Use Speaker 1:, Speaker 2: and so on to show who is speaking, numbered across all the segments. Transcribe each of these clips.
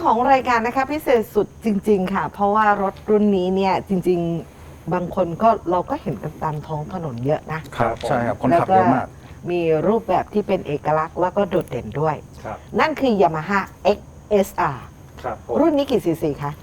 Speaker 1: ของรายการนะคะพิเศษสุดจริงๆค่ะเพราะว่ารถรุ่นนี้เนี่ยจริงๆบางคนก็เราก็เห็นกันตามท้องถนนเยอะนะครับ
Speaker 2: ใช่ครับคนขับเยอะมาก
Speaker 1: มีรูปแบบที่เป็นเอกลักษณ์แล้วก็โดดเด่นด้วย
Speaker 3: ครับ
Speaker 1: นั่นคือ Yamaha XSR
Speaker 3: ครับผม
Speaker 1: รุ่นนี้กี่ซีซีคะ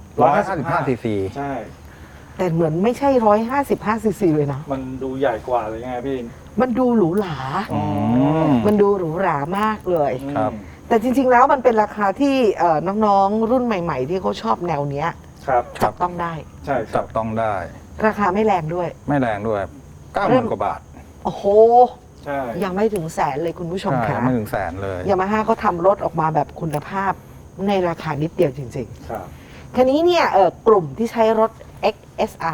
Speaker 2: 155 ซีซี
Speaker 3: ใช่
Speaker 1: แต่เหมือนไม่ใช่155ซีซีเลยนะ
Speaker 3: มันดูใหญ่กว่าเลยไงพี่
Speaker 1: มันดูหรูหรา
Speaker 2: ม
Speaker 1: มันดูหรูหรามากเลย
Speaker 2: ครับ
Speaker 1: แต่จริงๆแล้วมันเป็นราคาที่น้องๆรุ่นใหม่ๆ ที่เขาชอบแนวเนี้ย
Speaker 3: ครับ
Speaker 1: จับต้องได้
Speaker 3: ใช่ครั
Speaker 2: จั
Speaker 3: บบ
Speaker 2: ต้องได้
Speaker 1: ราคาไม่แรงด้วย
Speaker 2: ไม่แรงด้วย90,000 กว่าบาท
Speaker 1: โอ้โห
Speaker 3: ใช่
Speaker 1: ยังไม่ถึงแสนเลยคุณผู้ชม
Speaker 2: ใช่
Speaker 1: ค่ะ
Speaker 2: ไม่ถึงแสนเลย
Speaker 1: ยามาฮ่าเขาทำรถออกมาแบบคุณภาพในราคานิดเดียวจริง
Speaker 3: ครับ
Speaker 1: ๆ คันนี้เนี่ยกลุ่มที่ใช้รถ XSR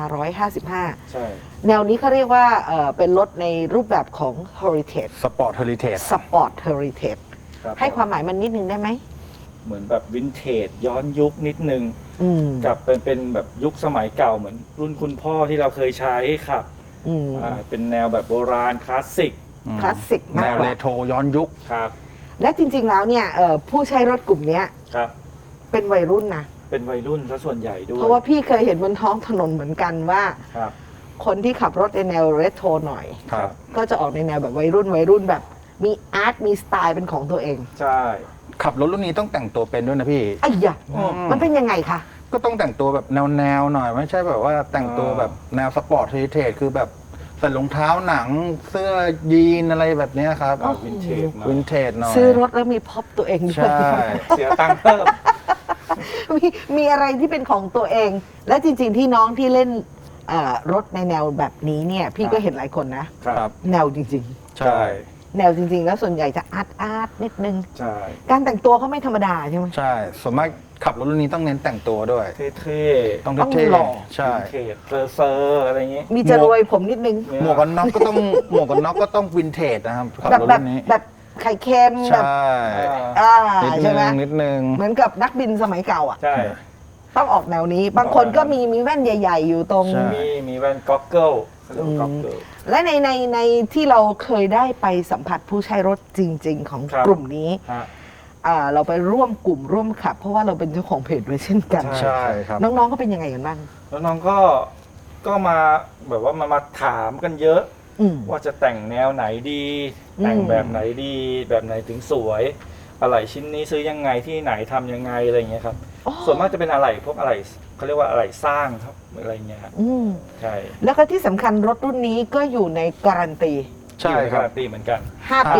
Speaker 1: 155
Speaker 3: ใช่
Speaker 1: แนวนี้เขาเรียกว่าเป็นรถในรูปแบบของ Heritage
Speaker 2: สปอร์ตเฮลิเทจ
Speaker 1: Sport Heritage
Speaker 3: ครับ
Speaker 1: ให้ความหมายมันนิดนึงได้ไหม
Speaker 3: เหมือนแบบวินเทจย้อนยุคนิดนึง
Speaker 1: อืม
Speaker 3: กับเป็นแบบยุคสมัยเก่าเหมือนรุ่นคุณพ่อที่เราเคยใช้ครับ
Speaker 1: อืม
Speaker 3: เป็นแนวแบบโบราณคลาสสิก
Speaker 1: คลาสสิก
Speaker 2: แน
Speaker 1: มาก
Speaker 2: ว
Speaker 1: ก
Speaker 2: เร
Speaker 1: ว่า
Speaker 2: โทรย้อนยุค
Speaker 3: ครับ
Speaker 1: และจริงๆแล้วเนี่ยผู้ใช้รถกลุ่มเนี้ย
Speaker 3: ครับ
Speaker 1: เป็นวัยรุ่นนะ
Speaker 3: เป็นวัยรุ่นซะส่วนใหญ่ด้วย
Speaker 1: เพราะว่าพี่เคยเห็นบนท้องถนนเหมือนกันว่า
Speaker 3: ครับ
Speaker 1: คนที่ขับรถในแนวเรโทรหน่อย
Speaker 2: ครับ
Speaker 1: ก็จะออกในแนวแบบวัยรุ่นแบบ มีอาร์ตมีสไตล์เป็นของตัวเอง
Speaker 3: ใช่
Speaker 2: ขับรถรุ่นนี้ต้องแต่งตัวเป็นด้วยนะพี่
Speaker 1: ไอ้ยะ
Speaker 3: อืม
Speaker 1: มันเป็นยังไงคะ
Speaker 2: ก็ต้องแต่งตัวแบบแนวหน่อย ไม่ใช่แบบว่าแต่งตัวแบบแนวสปอร์ตเฮลิเทจคือแบบใส่รองเท้าหนังเสื้อยีนอะไรแบบเนี้ยครับ
Speaker 3: วินเทจหน่อย
Speaker 2: วินเทจหน่อย
Speaker 1: ซื้อรถแล้วมีพ็อปตัวเองด้วย
Speaker 2: ใช่
Speaker 3: เสียตังค์เพิ่ม
Speaker 1: มีอะไรที่เป็นของตัวเอง และจริงๆที่น้องที่เล่นรถในแนวแบบนี้เนี่ย พี่ก็เห็นหลายคนนะ
Speaker 3: ครับ
Speaker 1: แนวจริง
Speaker 2: ใช่
Speaker 1: ๆ แนวจริง ๆ แล้วส่วนใหญ่จะอาร์ตนิดนึง
Speaker 3: ใช่
Speaker 1: การแต่งตัวเขาไม่ธรรมดาใช่ไหม
Speaker 2: ใช่ส่วนมากขับรถรุ่นนี้ต้องเน้นแต่งตัวด้วย
Speaker 3: เท่
Speaker 2: ต้อง
Speaker 1: ต้อง
Speaker 2: เท่
Speaker 1: หล่อ
Speaker 2: ๆใช่
Speaker 3: วินเทจเซอร์อะไรอย่างงี้
Speaker 1: มีจะรวยผมนิดนึง
Speaker 2: หมวกกันน็อกก็ต้องหมวกกันน็อกก็ต้องวินเทจนะครับขับ
Speaker 1: แบบ
Speaker 2: รถ
Speaker 1: แบบ
Speaker 2: รุ่นนี้
Speaker 1: แบบไข่เค็มแบบ
Speaker 2: ใช่
Speaker 1: อ่า
Speaker 2: นิดนึ
Speaker 1: ใช่ไหม
Speaker 2: งนิดนึง
Speaker 1: เหมือนกับนักบินสมัยเก่าอ่ะ
Speaker 3: ใช่
Speaker 1: ต้องออกแนวนี้ บางคนก็มีแว่นใหญ่ ๆ อยู่ตรง
Speaker 2: ใช่
Speaker 3: มีแว่นก็อกเกิลเขาเรียกว่าก็อกเกิล
Speaker 1: และในที่เราเคยได้ไปสัมผัสผู้ใช้รถจริง ๆ ของ
Speaker 3: ครับ
Speaker 1: กลุ่มนี้
Speaker 3: ฮะ
Speaker 1: เราไปร่วมกลุ่มร่วมขับ เพราะว่าเราเป็นเจ้าของเพจด้วยเช่นกัน
Speaker 2: ใช่ครับ
Speaker 1: น้องๆก็เป็นยังไงกันบ้าง
Speaker 3: แล้วน้องก็มาแบบว่ามาถามกันเยอะ
Speaker 1: อืม
Speaker 3: ว่าจะแต่งแนวไหนดี
Speaker 1: อืม
Speaker 3: แต่งแบบไหนดี แบบไหนถึงสวย อะไรชิ้นนี้ซื้อยังไงที่ไหนทำยังไงอะไรอย่างเงี้ยครับ
Speaker 1: อ๋อ
Speaker 3: ส่วนมากจะเป็นอะไรพวกอะไรเขาเรียกว่าอะไรสร้างครับอะไรเงี้ยครับ
Speaker 1: อืม
Speaker 3: ใช่
Speaker 1: แล้วก็ที่สำคัญรถรุ่นนี้ก็อยู่ในการันตี
Speaker 2: ใช่ครับ
Speaker 3: การันตีเหมือนกัน
Speaker 1: 5 ปี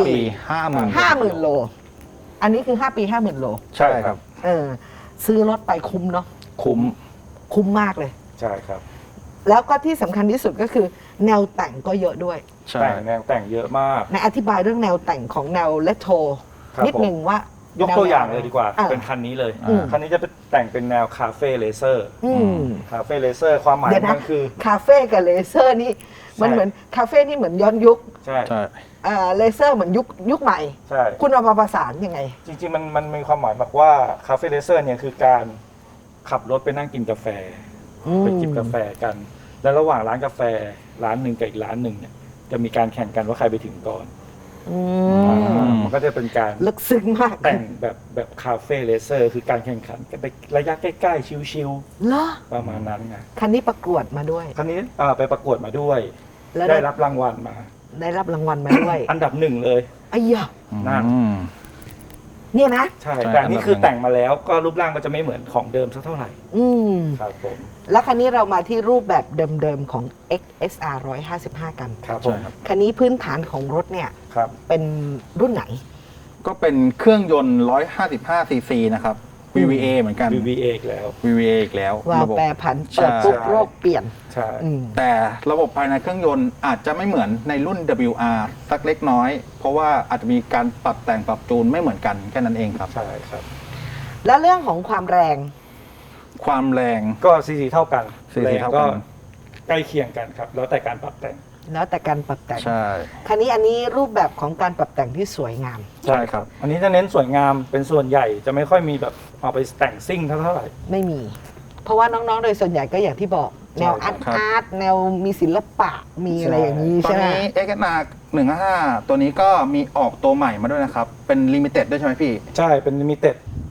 Speaker 2: 50,000
Speaker 1: 50,000 โล อันนี้คือ 5 ปี 50,000 โล
Speaker 2: ใช่ครับ
Speaker 1: ซื้อรถไปคุ้มเนาะ คุ้มมากเลย
Speaker 3: ใช่ครับ
Speaker 1: แล้วก็ที่สำคัญที่สุดก็คือแนวแต่งก็เยอะด้วย
Speaker 2: ใช่
Speaker 3: แต่งแนวแต่งเยอะมาก
Speaker 1: ในอธิบายเรื่องแนวแต่งของแนวเลโทร
Speaker 3: ครับ
Speaker 1: นิดหนึ่งว่าย
Speaker 3: กตัวอย่างเลยดีกว่า
Speaker 1: อ่ะ
Speaker 3: เป็นคันนี้เลย
Speaker 2: อืม
Speaker 3: คันนี้จะเป็นแต่งเป็นแนวคาเฟ่เลเซอร์
Speaker 1: อืม
Speaker 3: คาเฟ่เลเซอร์ความหมาย
Speaker 1: เดี๋ยวนะ
Speaker 3: มันคือ
Speaker 1: คาเฟ่กับเลเซอร์นี่ มัน
Speaker 3: ใช่
Speaker 1: เหมือนคาเฟ่นี่เหมือนย้อนยุค
Speaker 3: ใช่
Speaker 2: ใช่
Speaker 1: เลเซอร์เหมือนยุคใหม่
Speaker 3: ใช่
Speaker 1: คุณเอามาประสานยังไง
Speaker 3: จริงๆมันมีความหมายแบบว่าคาเฟ่เลเซอร์เนี่ยคือการขับรถไปนั่งกินกาแฟ ไปจิบกาแฟกัน แล้วระหว่างร้านกาแฟร้านหนึ่งกับอีกร้านหนึ่งเนี่ยจะมีการแข่งกันว่าใครไปถึงก่อน
Speaker 1: อืม
Speaker 3: มันก็จะเป็นการ
Speaker 1: ลึกซึ้งมาก
Speaker 3: แต่งแบบคาเฟ่เลเซอร์คือการแข่งขันกันไประยะใกล้ๆชิว
Speaker 1: เหรอ
Speaker 3: ๆประมาณนั้นไง
Speaker 1: คันนี้ประกวดมาด้วย
Speaker 3: ครั้นี้ไปประกวดมาด้วย
Speaker 1: แล้ว
Speaker 3: ได้รับรางวัลมา
Speaker 1: ได้รับรางวัลมาด้วย
Speaker 3: อันดับหนึ่งเลย
Speaker 1: ไอ้ยะ
Speaker 3: นั่น
Speaker 2: อืม
Speaker 1: เนี่ยนะ
Speaker 3: ใช่
Speaker 2: ใช่
Speaker 3: แต่อันนี่
Speaker 2: อันดับ
Speaker 3: คือ
Speaker 2: หนึ่ง
Speaker 3: แต่งมาแล้วก็รูปร่างมันจะไม่เหมือนของเดิมสักเท่าไหร่
Speaker 1: อืม
Speaker 3: ครับผม
Speaker 1: แล้วคันนี้เรามาที่รูปแบบเดิมๆของ XSR 155 กัน
Speaker 3: ครับผม
Speaker 2: ใช่ครับ
Speaker 1: คันนี้พื้นฐานของรถเนี่ย
Speaker 3: ครับ
Speaker 1: เป็นรุ่นไหน
Speaker 2: ก็เป็นเครื่องยนต์ 155 ซีซีนะครับ VVA เหมือนกัน
Speaker 3: VVA อีกแล้ว
Speaker 2: VVA อีกแล้ว
Speaker 1: วาล์ว
Speaker 2: ระบบ
Speaker 1: แปรผันเปิดปุ๊บ
Speaker 3: ใช่
Speaker 1: โรคเปลี่ยน
Speaker 3: ใช่
Speaker 1: อืม
Speaker 2: แต่ระบบภายในเครื่องยนต์อาจจะไม่เหมือนในรุ่น WR สักเล็กน้อย เพราะว่าอาจจะมีการปรับแต่งปรับจูนไม่เหมือนกันแค่นั้นเองครับ
Speaker 3: ใช่ครับ
Speaker 1: แล้วเรื่องของความแรง
Speaker 2: ความแรง
Speaker 3: ก็ซีซีเท่ากัน
Speaker 2: CC
Speaker 3: แรง
Speaker 2: เท่ากั
Speaker 3: ก็
Speaker 2: น
Speaker 3: ใกล้เคียงกันครับ แล้วแต่การปรับแต่ง
Speaker 1: แล้วแต่การปรับแต่ง
Speaker 2: ใช่
Speaker 1: คันนี้อันนี้รูปแบบของการปรับแต่งที่สวยงาม
Speaker 2: ใช่ครับ
Speaker 3: อันนี้จะเน้นสวยงามเป็นส่วนใหญ่จะไม่ค่อยมีแบบเอาไปแต่งซิ่งเท่าไหร่
Speaker 1: ไม่มี เพราะว่าน้องๆ โดยส่วนใหญ่ก็อย่างที่บอก แนว
Speaker 3: ใช่
Speaker 1: อาร์ต
Speaker 2: ครับ
Speaker 1: อาร์ตแนวมีศิลปะมีอะไรอย่างนี้
Speaker 2: ตอน
Speaker 1: ใช่ไหม
Speaker 2: นี้ XNR 155 ตัวนี้ก็มีออกตัวใหม่มาด้วยนะครับ เป็นลิมิเต็ดด้วยใช่ไหมพี่
Speaker 3: ใช่เป็นลิมิเต็ด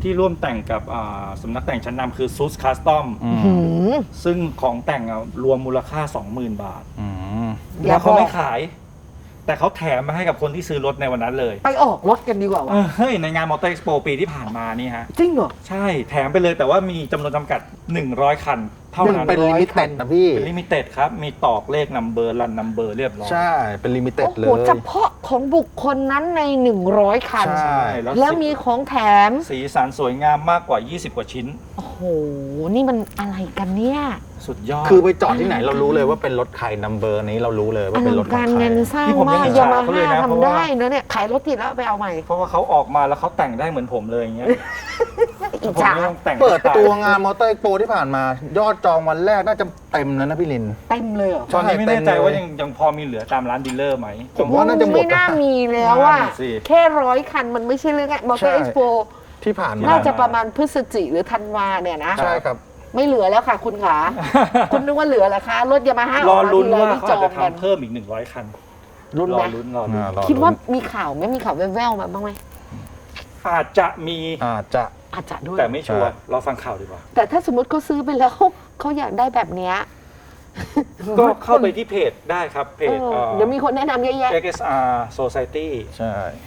Speaker 3: ที่ร่วมแต่งกับสำนักแต่งชั้นนำคือ Sus Custom
Speaker 1: หืม
Speaker 3: ซึ่งของแต่งรวมมูลค่า 20,000 บาท
Speaker 2: อืม
Speaker 1: อย่า
Speaker 3: แล้วเขาไม่
Speaker 1: บอก
Speaker 3: ขาย แต่เขาแถมมาให้กับคนที่ซื้อรถในวันนั้นเลย
Speaker 1: ไปออกรถกันดีกว่าวะ
Speaker 3: เฮ้ยในงานมอเตอร์เอ็กซ์โปปีที่ผ่านมานี่ฮะ
Speaker 1: จริงเหรอ
Speaker 3: ใช่แถมไปเลยแต่ว่ามีจำนวนจำกัด 100 คัน เท่านั้น
Speaker 2: เป็น
Speaker 1: 100
Speaker 2: ลิมิเต็ดนะพี่
Speaker 3: เป็นลิมิเต็ดครับ มีตอกเลขนัมเบอร์รันนัมเบอร์เรียบร้อย
Speaker 2: ใช่เป็นลิมิเต็ด
Speaker 1: โอ้
Speaker 2: เล
Speaker 1: โห
Speaker 2: ย
Speaker 1: เฉพาะของบุคคลนั้นใน 100 คัน
Speaker 2: ใช่
Speaker 1: แล้วมีของแถม
Speaker 3: สีสันสวยงามมากกว่า 20 กว่าชิ้น
Speaker 1: โอ้โห นี่มันอะไรกันเนี่ย
Speaker 3: สุดยอด
Speaker 2: คือไปจอดที่ไหนเรารู้เลยว่าเป็นรถใครนัมเบอร์นี้เรารู้เลย
Speaker 1: อ
Speaker 2: ว่าเป็นร
Speaker 1: ลั
Speaker 2: ถ
Speaker 1: ง
Speaker 2: ของ
Speaker 1: การ
Speaker 2: ใคร
Speaker 1: งานสร้าง
Speaker 3: ที่ผม
Speaker 1: มา
Speaker 3: ยัง
Speaker 1: ก
Speaker 3: อิจ
Speaker 1: ยา
Speaker 3: ฉา
Speaker 1: มา
Speaker 3: เขาเล
Speaker 1: ฮ่าย
Speaker 3: นะ
Speaker 1: ทำได้นะเนี่ย ขายรถติดแล้วเอาไปเอาใหม่
Speaker 3: เพราะว่าเขาออกมาแล้วเขาแต่งได้เหมือนผมเลยอย่างเงี้ย
Speaker 1: อิจ
Speaker 3: ผม
Speaker 1: ฉา
Speaker 3: ไม่ต้องแต่ง
Speaker 2: เปิดตัวงานมอเตอร์เอ็กโปที่ผ่านมา ยอดจองวันแรกน่าจะเต็มแล้วนะพี่ลิน
Speaker 1: เต็มเลยเหรอ
Speaker 3: ตอนนี้ไม่แน่ใจ
Speaker 2: เต็มเลย
Speaker 3: ว่ายังพอมีเหลือตามร้านดีลเลอร์ไหม
Speaker 2: ผมว่าน่าจะหมด
Speaker 1: ไม่น่ามีแล้วอ่ะ
Speaker 3: นั่นสิ
Speaker 1: แค่100 คันมันไม่ใช่เรื่องง่ายมอเตอ
Speaker 2: ใช่
Speaker 1: ร์เอ็กซ์โป
Speaker 2: ที่ผ่านมา
Speaker 1: น่าจะประมาณพฤศจิหรือธันวาเนี่ยนะ
Speaker 2: ใช่ครับ
Speaker 1: ไม่เหลือแล้วค่ะคุณขา คุณนึกว่าเหลือเหรอคะ รถยามาฮ่าร
Speaker 3: อลุ้นว่า
Speaker 1: ที่
Speaker 3: เขา
Speaker 1: จ
Speaker 3: อา
Speaker 1: อ
Speaker 3: จ
Speaker 1: ง
Speaker 3: จะ
Speaker 1: กัน
Speaker 3: ทำเพิ่มอีก100 คัน
Speaker 1: รุ่น
Speaker 3: รอ
Speaker 1: นะ
Speaker 3: ลุ้นรอลุ้น
Speaker 2: รอ
Speaker 1: คิดว่ามีข่าวไหมมีข่าวแว่วๆมาบ้างไหม
Speaker 3: อาจจะมี
Speaker 2: อาจจะ
Speaker 1: อาจจะด้วย
Speaker 3: แต่ไม่ชัวร์
Speaker 2: ใช่
Speaker 3: รอฟังข่าวดีกว่า
Speaker 1: แต่ถ้าสมมติเขาซื้อไปแล้วเขาอยากได้แบบเนี้ย
Speaker 3: ก็เข้าไปที่เพจได้ครับเพจ
Speaker 1: เดี๋ยวมีคนแนะนำเยอะแยะ
Speaker 3: XSR Society
Speaker 2: ใช่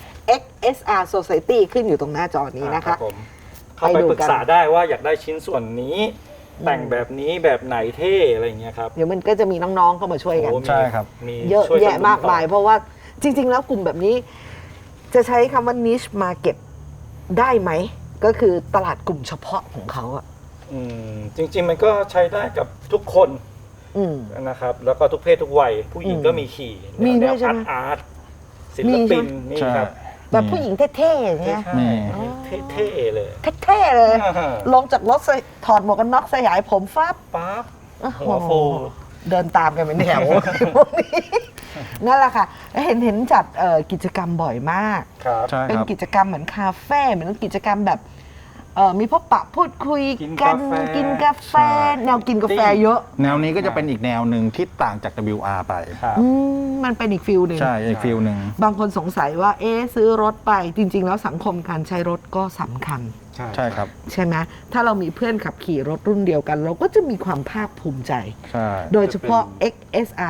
Speaker 1: XSR Society ขึ้นอยู่ตรงหน้าจอนี้นะ
Speaker 3: ครั
Speaker 1: คะ
Speaker 3: บผมเข้าไปปรึกษาได้ว่าอยากได้ชิ้นส่วนนี้ แต่งแบบนี้แบบไหนเท่อะไรอย่างเงี้ยครับ
Speaker 1: เดี๋ยวมันก็จะมีน้องๆเข้ามาช่วยกัน
Speaker 3: โอ้
Speaker 2: ใช่ครับ
Speaker 3: มี
Speaker 1: เยอะ
Speaker 3: ช่วกั
Speaker 1: แยะ
Speaker 3: น
Speaker 1: มากมาย
Speaker 3: ต่อ
Speaker 1: เพราะว่าจริง ๆ แล้วกลุ่มแบบนี้ จะใช้คำว่า niche market ได้ไหม ก็คือตลาดกลุ่มเฉพาะของเขาอะ
Speaker 3: จริงๆมันก็ใช้ได้กับทุกคน
Speaker 1: อืม
Speaker 3: นะครับ แล้วก็ทุกเพศทุกวัย ผู้หญิงก็มีขี่
Speaker 1: มีด้วย
Speaker 3: แน
Speaker 1: ใช่ไหม
Speaker 3: อาร์ตศิ
Speaker 1: มี
Speaker 3: ล
Speaker 1: ใช่
Speaker 3: ปิน
Speaker 1: ไหม
Speaker 3: นี่
Speaker 2: ใช่
Speaker 3: ครับ
Speaker 1: แบบผู้หญิงเท่ๆอย่างเงี้ย
Speaker 3: ใช่
Speaker 2: นี่
Speaker 3: เท่ๆเลย
Speaker 1: เท่ๆเลย
Speaker 3: อ่า
Speaker 1: ลงจากรถถอดหมวกกันน็อกสยายผมฟ้าบ
Speaker 3: ปั๊บ
Speaker 1: โอ้โ
Speaker 3: หัวฟู
Speaker 1: เดินตามกันเป็นแถว พวกนี้นั่นแหละค่ะเห็นจัดกิจกรรมบ่อยมาก
Speaker 3: ครับ
Speaker 2: ใช่
Speaker 1: เป็น
Speaker 2: ครับ
Speaker 1: กิจกรรมเหมือนคาเฟ่เหมือนกิจกรรมแบบมีพบปะพูดคุย
Speaker 3: กิน
Speaker 1: กั
Speaker 3: กาน แฟ
Speaker 1: กินกาแฟ
Speaker 2: ใช่
Speaker 1: แนวกินกาแฟเยอะ
Speaker 2: แนวนี้ก็จะเป็นอีกแนวหนึ่งที่ต่างจาก WR ไป
Speaker 3: ครับ
Speaker 1: มันเป็นอีกฟิลหนึ่ง
Speaker 2: ใช่อีกฟิลหนึ่ง
Speaker 1: บางคนสงสัยว่าซื้อรถไปจริง ๆ แล้วสังคมการใช้รถก็สำคัญ
Speaker 2: ใช่ครับ
Speaker 1: ใช่ไหมถ้าเรามีเพื่อนขับขี่รถรุ่นเดียวกัน เราก็จะมีความภาคภูมิใจ
Speaker 2: ใช่
Speaker 1: โดยเฉพาะ XSR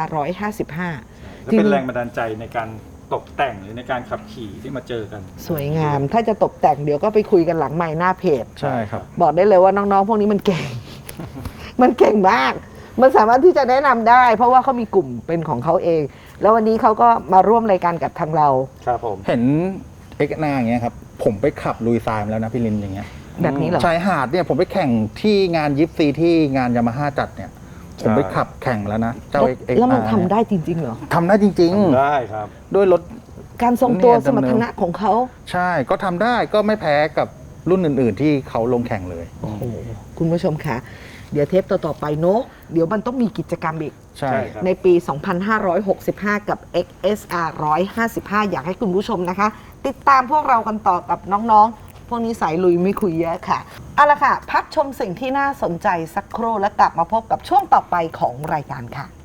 Speaker 1: 155
Speaker 3: จะเป็นแรงบันดาลใจในการตกแต่งหรือในการขับขี่ที่มาเจอกัน
Speaker 1: สวยงาม ถ้าจะตกแต่งเดี๋ยวก็ไปคุยกันหลังไมค์หน้าเพจ
Speaker 2: ใช่ครับ
Speaker 1: บอกได้เลยว่าน้องๆ พวกนี้มันเก่ง มันเก่งมาก มันสามารถที่จะแนะนำได้ เพราะว่าเขามีกลุ่มเป็นของเขาเอง แล้ววันนี้เขาก็มาร่วมรายการกับทางเรา
Speaker 3: ครับผม
Speaker 2: เห็นเอ็กนาอย่างเงี้ยครับ ผมไปขับลุยทรายมาแล้วนะพี่ลินอย่างเงี้ย
Speaker 1: แบบนี้เหรอ
Speaker 2: ชายหาดเนี่ยผมไปแข่งที่งานยิปซีที่งานยามาฮ่าจัดเนี่ย ผมไปขับแข่งแล้วนะ เจ้า
Speaker 1: แล้วมันทำได้จริง ๆ เหรอ
Speaker 2: ทำได้จริง
Speaker 3: ได้ครับ
Speaker 2: ๆ ด้วยรถ
Speaker 1: การทรงตัว
Speaker 2: เนี่ย
Speaker 1: สมรรถนะของเขา
Speaker 2: ใช่ก็ทำได้ก็ไม่แพ้กับรุ่นอื่นๆ ที่เขาลงแข่งเลย
Speaker 1: โอ้โห คุณผู้ชมคะ เดี๋ยวเทปต่อๆไปเนอะเดี๋ยวมันต้องมีกิจกรรมอีก
Speaker 2: ใช่
Speaker 3: ใช่ครับ
Speaker 1: ในปี 2565 กับ XSR 155 อยากให้คุณผู้ชมนะคะ ติดตามพวกเรากันต่อกับน้องๆ พวกนี้สายลุยไม่คุยเยอะค่ะ เอาละค่ะ พักชมสิ่งที่น่าสนใจสักครู่แล้วกลับมาพบกับช่วงต่อไปของรายการค่ะ